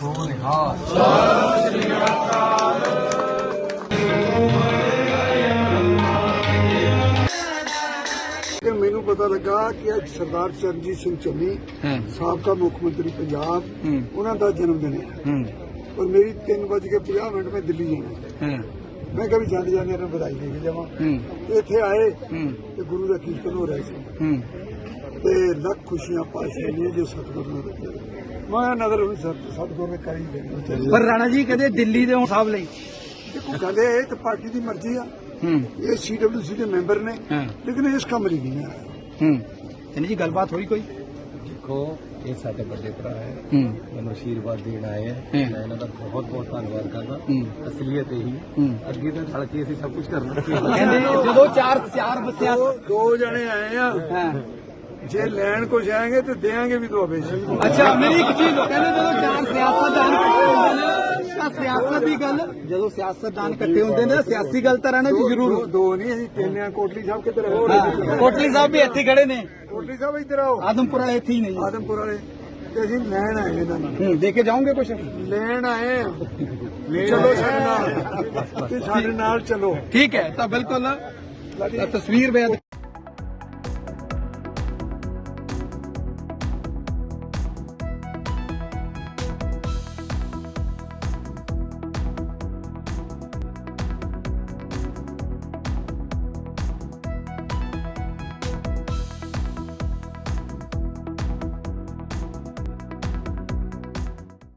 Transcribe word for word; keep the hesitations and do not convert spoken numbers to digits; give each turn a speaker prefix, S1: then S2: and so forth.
S1: ਮੈਨੂੰ ਪਤਾ ਲੱਗਾ ਕਿ ਅੱਜ ਸਰਦਾਰ ਚਰਨਜੀਤ ਸਿੰਘ ਚੰਨੀ ਸਾਬਕਾ ਮੁੱਖ ਮੰਤਰੀ ਪੰਜਾਬ ਉਹਨਾਂ ਦਾ ਜਨਮ ਦਿਨ ਹੈ ਔਰ ਮੇਰੀ ਤਿੰਨ ਵਜ ਕੇ ਪੰਜਾਹ ਮਿੰਟ ਮੈਂ ਦਿੱਲੀ ਜਾਣਾ। ਮੈਂ ਕਿਹਾ ਵੀ ਜਾਂਦੇ ਜਾਂਦੇ ਇਹਨਾਂ ਨੂੰ ਵਧਾਈ ਦੇ ਕੇ ਜਾਵਾਂ। ਇੱਥੇ ਆਏ ਤੇ ਗੁਰੂ ਦਾ ਕੀਰਤਨ ਹੋ ਰਿਹਾ ਸੀ ਤੇ ਲੱਖ ਖੁਸ਼ੀਆਂ ਪਾਸ਼ੇ ਨੇ ਜੋ ਸਤਿਗੁਰੂ ਨੇ ਦਿੱਤੇ। ਮੈਂ ਨਜ਼ਰ ਉਹਨੂੰ ਸਤਿਗੁਰੂ ਨੇ ਕਰੀ ਦੇਣੀ।
S2: ਪਰ ਰਾਣਾ ਜੀ ਕਹਿੰਦੇ ਦਿੱਲੀ ਦੇ ਹਿਸਾਬ ਲਈ
S1: ਦੇਖੋ ਗੱਲ ਇਹ ਤੇ ਪਾਰਟੀ ਦੀ ਮਰਜ਼ੀ ਆ। ਇਹ ਸੀ ਡਬਲਿਊ ਸੀ ਦੇ ਮੈਂਬਰ ਨੇ ਲੇਕਿਨ ਇਸ ਕਮਰੇ ਨਹੀਂ ਆਇਆ।
S2: ਹੂੰ ਇਹਨੀ ਜੀ ਗੱਲਬਾਤ ਹੋਈ ਕੋਈ?
S3: ਦੇਖੋ ਇਹ ਸਾਡੇ ਵੱਡੇ ਭਰਾ ਹੈ, ਮੈਨੂੰ ਆਸ਼ੀਰਵਾਦ ਦੇਣ ਆਏ ਹੈ। ਮੈਂ ਇਹਨਾਂ ਦਾ ਬਹੁਤ ਬਹੁਤ ਧੰਨਵਾਦ ਕਰਦਾ। ਅਸਲੀਅਤ ਇਹੀ ਅੱਗੇ ਤਾਂ ਰਲ ਕੇ ਅਸੀਂ ਸਭ ਕੁਝ ਕਰਨਾ।
S2: ਕਹਿੰਦੇ ਜਦੋਂ ਚਾਰ ਚਾਰ ਬੱਸਿਆਂ
S1: ਦੋ ਜਣੇ ਆਏ ਆ, ਜੇ ਲੈਣ ਕੁਛ ਆਏਗੇ ਤੇ ਦੇਾਂਗੇ ਵੀ ਦੁਆਬੇ ਸੀ।
S2: ਅੱਛਾ ਮੇਰੀ ਇੱਕ ਚੀਜ਼ ਕਹਿੰਦੇ ਜਦੋਂ ਚਾਰ ਸਿਆਸਤਦਾਨ ਇਕੱਠੇ ਹੁੰਦੇ ਨੇ ਤਾਂ ਸਿਆਸਤ ਦੀ ਗੱਲ, ਜਦੋਂ ਸਿਆਸਤਦਾਨ ਇਕੱਠੇ ਹੁੰਦੇ ਨੇ ਸਿਆਸੀ ਗੱਲ ਤਾਂ ਰਹਿਣਾ ਜੀ ਜ਼ਰੂਰ।
S1: ਦੋ ਨਹੀਂ ਅਸੀਂ ਤਿੰਨ ਆ। ਕੋਟਲੀ ਸਾਹਿਬ ਕਿੱਧਰ ਹੈ?
S2: ਕੋਟਲੀ ਸਾਹਿਬ ਵੀ ਇੱਥੇ ਖੜੇ ਨੇ।
S1: ਕੋਟਲੀ ਸਾਹਿਬ ਇੱਧਰ ਆਓ।
S2: ਆਦਮਪੁਰ ਵਾਲੇ ਇੱਥੇ ਹੀ ਨੇ ਜੀ।
S1: ਆਦਮਪੁਰ ਵਾਲੇ ਤੇ ਅਸੀਂ ਲੈਣ ਆਏ ਇਹਨਾਂ ਨੂੰ।
S2: ਹੂੰ ਦੇ ਕੇ ਜਾਓਗੇ ਕੁਛ?
S1: ਲੈਣ ਆਏ ਆ। ਚਲੋ ਸਾਡੇ ਨਾਲ ਤੇ ਸਾਡੇ ਨਾਲ ਚਲੋ।
S2: ਠੀਕ ਹੈ ਤਾਂ ਬਿਲਕੁਲ ਤਸਵੀਰ ਬੇਅਦ